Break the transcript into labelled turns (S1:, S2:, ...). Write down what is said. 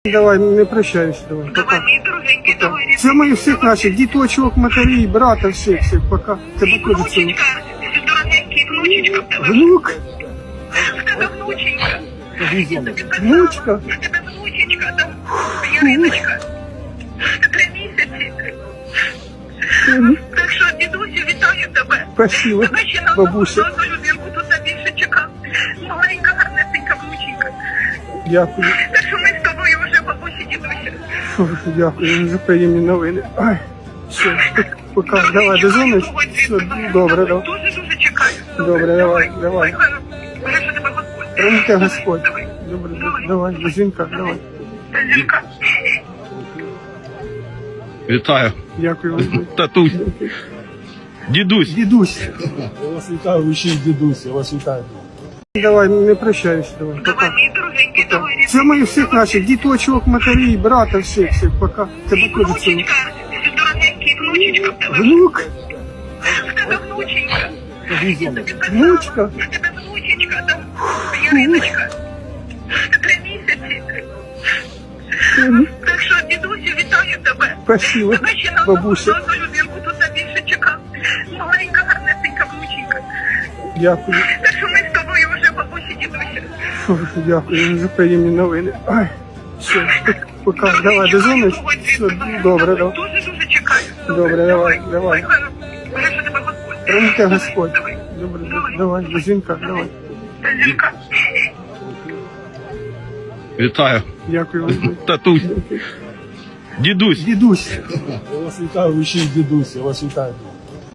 S1: Давай, не прощаюсь, давай.
S2: Давай,
S1: Пока.
S2: мої дорогенькі, давай.
S1: Це мої всіх наших, діточок, матерів, брата, всіх, пока. Тебе
S2: І
S1: теж цілую.
S2: внучечка, дорогенький, внучечка в тебе.
S1: Внук,
S2: В тебе внученька.
S1: внучка.
S2: В тебе внучечка, там, Яриночка. 3 місяці. Так що, дідусю, вітаю тебе.
S1: Спасибо,
S2: Тебе ще на
S1: бабуся.
S2: одну людинку тут більше чекав. Маленька, гарнесенька внученька.
S1: Дякую.
S2: Так що ми з тобою вже бабусі, дідуся.
S1: Ой, дякую за приємні новини. Ай, все, пока. Давай, дозвониш? Все, добре, давай.
S2: Дуже чекаю.
S1: Добре, давай.
S2: Бережи тебе Господь.
S1: Храните Господь.
S2: Давай.
S1: Добре, давай, до дзвінка, давай.
S2: Зінка.
S3: Вітаю.
S1: Дякую вам.
S3: Татусь. Дідусь.
S1: Дідусь.
S4: Я вас вітаю, ви ще й дідусь, я вас вітаю.
S1: Давай, не прощаюсь, давай.
S2: Давай,
S1: Пока.
S2: мої дорогенькі, давай.
S1: Це мої всіх наших, діточок, матерів, брата, всіх, пока. Тебе
S2: І
S1: теж цілую.
S2: внучечка, дорогенький, внучечка в тебе.
S1: Внук,
S2: В тебе внученька.
S1: внучка.
S2: В тебе внучечка, там, Яриночка. 3 місяці. Так що, дідусю, вітаю тебе.
S1: Спасибо,
S2: Тебе ще на
S1: бабуся.
S2: одну людинку тут більше чекав. Маленька, гарнесенька внученька.
S1: Дякую.
S2: Так що ми з тобою вже бабусі, дідуся.
S1: Ой, дякую за приємні новини. Ай, все, пока. Давай, дозвониш? Все, добре, давай.
S2: Дуже чекаю.
S1: Добре, давай.
S2: Бережи тебе Господь.
S1: Храните Господь.
S2: Давай.
S1: Добре, давай, до дзвінка, давай.
S2: Зінка.
S3: Вітаю.
S1: Дякую вам.
S3: Татусь. Дідусь.
S1: Дідусь.
S4: Я вас вітаю, ви ще й дідусь, я вас вітаю.